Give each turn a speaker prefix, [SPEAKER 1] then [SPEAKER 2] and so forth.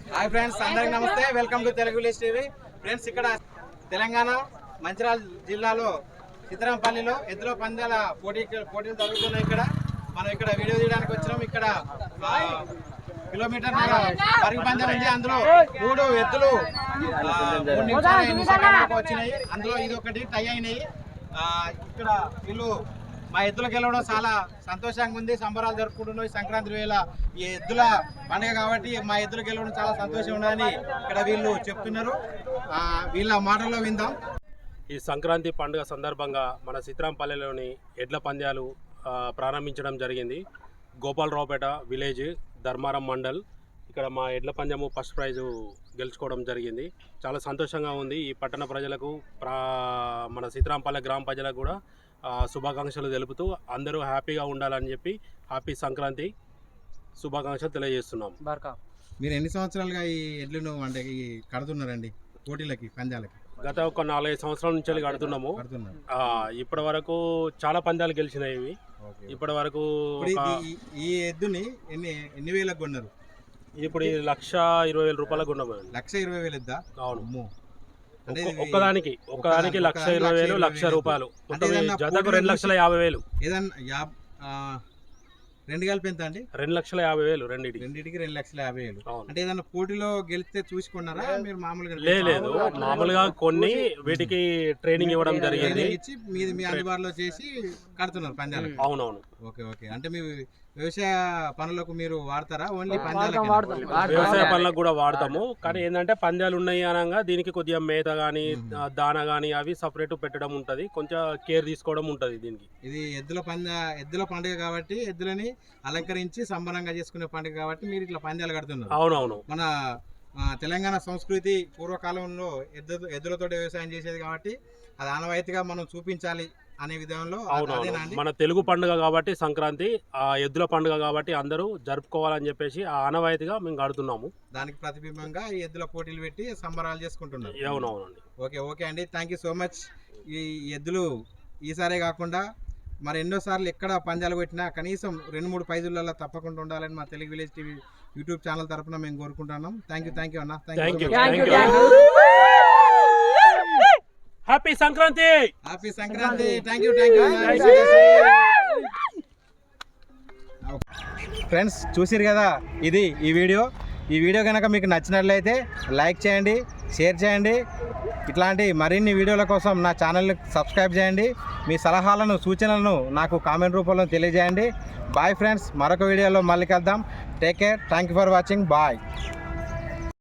[SPEAKER 1] Hi friends, అందరికి నమస్తే. Welcome to Telugu village TV. Friends, ఇక్కడ తెలంగాణ మంచిర్యాల జిల్లాలో సిద్ధరాంపల్లిలో ఎద్దుల పందాల పోటీలు జరుగుతున్నాయి. మనం ఇక్కడ వీడియో తీయడానికి వచ్చినాం. ఇక్కడ కిలోమీటర్ పరుగు పందెం ఉంది. అందులో 3 ఎద్దులు 3 నిమిషాలు వచ్చినాయి. అందులో ఇది ఒకటి టై అయినాయి. ఇక్కడ వీళ్ళు మా ఎద్దులకు వెళ్ళడం చాలా సంతోషంగా ఉంది. సంబరాలు జరుపుకుంటున్నాం. సంక్రాంతి వేళ ఈ ఎద్దుల పండుగ కాబట్టి మా ఎద్దులకు వెళ్ళడం చాలా సంతోషం ఉన్నదని ఇక్కడ వీళ్ళు చెప్తున్నారు. వీళ్ళ మాటల్లో విందాం.
[SPEAKER 2] ఈ సంక్రాంతి పండుగ సందర్భంగా మన సిద్ధరాంపల్లిలోని ఎడ్ల పంద్యాలు ప్రారంభించడం జరిగింది. గోపాలరావుపేట విలేజ్, ధర్మారం మండల్. ఇక్కడ మా ఎడ్ల పందెము ఫస్ట్ ప్రైజు గెలుచుకోవడం జరిగింది. చాలా సంతోషంగా ఉంది. ఈ పట్టణ ప్రజలకు, మన సిద్ధరాంపల్లి గ్రామ ప్రజలకు కూడా శుభాకాంక్షలు తెలుపుతూ అందరూ హ్యాపీగా ఉండాలని చెప్పి హ్యాపీ సంక్రాంతి శుభాకాంక్షలు తెలియజేస్తున్నాం.
[SPEAKER 1] మీరు ఎన్ని సంవత్సరాలుగా ఈ ఎడ్లను అంటే కడుతున్నారండి పోటీలకి, పందాలకి?
[SPEAKER 2] గత ఒక 4-5 సంవత్సరాల నుంచి కడుతున్నాము. ఇప్పటి వరకు చాలా పందాలు గెలిచినాయి. ఇప్పటి వరకు
[SPEAKER 1] ఈ ఎద్దుని ఎన్ని వేలకు కొన్నారు?
[SPEAKER 2] ఇప్పుడు 1,20,000 రూపాయలకు కొన్నాము.
[SPEAKER 1] 1,20,000 ఎద్దా?
[SPEAKER 2] అవును. ఒక్కదానికి 1,20,000 1,00,000 రూపాయలు. జతకు 2,50,000.
[SPEAKER 1] ఏదన్నా 2 కలిపి ఎంత అండి?
[SPEAKER 2] 2,50,000. రెండింటికి
[SPEAKER 1] 2,50,000. అంటే ఏదన్నా పోటీలో గెలిస్తే చూసుకున్నారా మీరు? మామూలుగా
[SPEAKER 2] లేదు, మామూలుగా కొన్ని వీటికి ట్రైనింగ్ ఇవ్వడం జరిగింది.
[SPEAKER 1] మీ అందుబాటులో చేసి కడుతున్నారు పందాలు?
[SPEAKER 2] అవునవును.
[SPEAKER 1] ఓకే. అంటే మీ వ్యవసాయ పనులకు మీరు వాడతారా? ఓన్లీ
[SPEAKER 2] వ్యవసాయ పనులకు కూడా వాడతాము. కానీ ఏంటంటే పందాలు ఉన్నాయి అనగా దీనికి కొద్దిగా మేత కానీ దాన కానీ అవి సపరేట్ పెట్టడం ఉంటుంది. కొంచెం కేర్ తీసుకోవడం ఉంటుంది దీనికి.
[SPEAKER 1] ఇది ఎద్దుల పండుగ కాబట్టి ఎద్దులని అలంకరించి సంబరంగా చేసుకునే పండుగ కాబట్టి మీరు ఇట్లా పందాలు కడుతున్నారు.
[SPEAKER 2] అవునవును.
[SPEAKER 1] మన తెలంగాణ సంస్కృతి పూర్వకాలంలో ఎద్దులతో వ్యవసాయం చేసేది కాబట్టి అది ఆనవాయితీగా మనం చూపించాలి అనే విధంలో.
[SPEAKER 2] మన తెలుగు పండుగ కాబట్టి సంక్రాంతి, ఆ ఎద్దుల పండుగ కాబట్టి అందరూ జరుపుకోవాలని చెప్పేసి ఆ ఆనవాయితీగా మేము కడుతున్నాము.
[SPEAKER 1] దానికి ప్రతిబింబంగా ఈ ఎద్దుల పోటీలు పెట్టి సంబరాలు చేసుకుంటున్నాం.
[SPEAKER 2] అవునవునండి.
[SPEAKER 1] ఓకే అండి, థ్యాంక్ యూ సో మచ్. ఈ ఎద్దులు ఈసారే కాకుండా మరి ఎన్నోసార్లు ఎక్కడ పందాలు పెట్టినా కనీసం 2-3 ప్రైజులలో తప్పకుండా ఉండాలని మా Telugu village TV YouTube channel తరఫున మేము కోరుకుంటున్నాం. థ్యాంక్ యూ అన్న.
[SPEAKER 2] Happy Sankranti.
[SPEAKER 1] Thank you. Friends, చూసిరు కదా, ఇది ఈ వీడియో కనుక మీకు నచ్చినట్లయితే లైక్ చేయండి, షేర్ చేయండి. ఇట్లాంటి మరిన్ని వీడియోల కోసం నా ఛానల్ని సబ్స్క్రైబ్ చేయండి. మీ సలహాలను, సూచనలను నాకు కామెంట్ రూపంలో తెలియజేయండి. బాయ్ ఫ్రెండ్స్, మరొక వీడియోలో మళ్ళీ కలుద్దాం. Take care. Thank you for watching. Bye.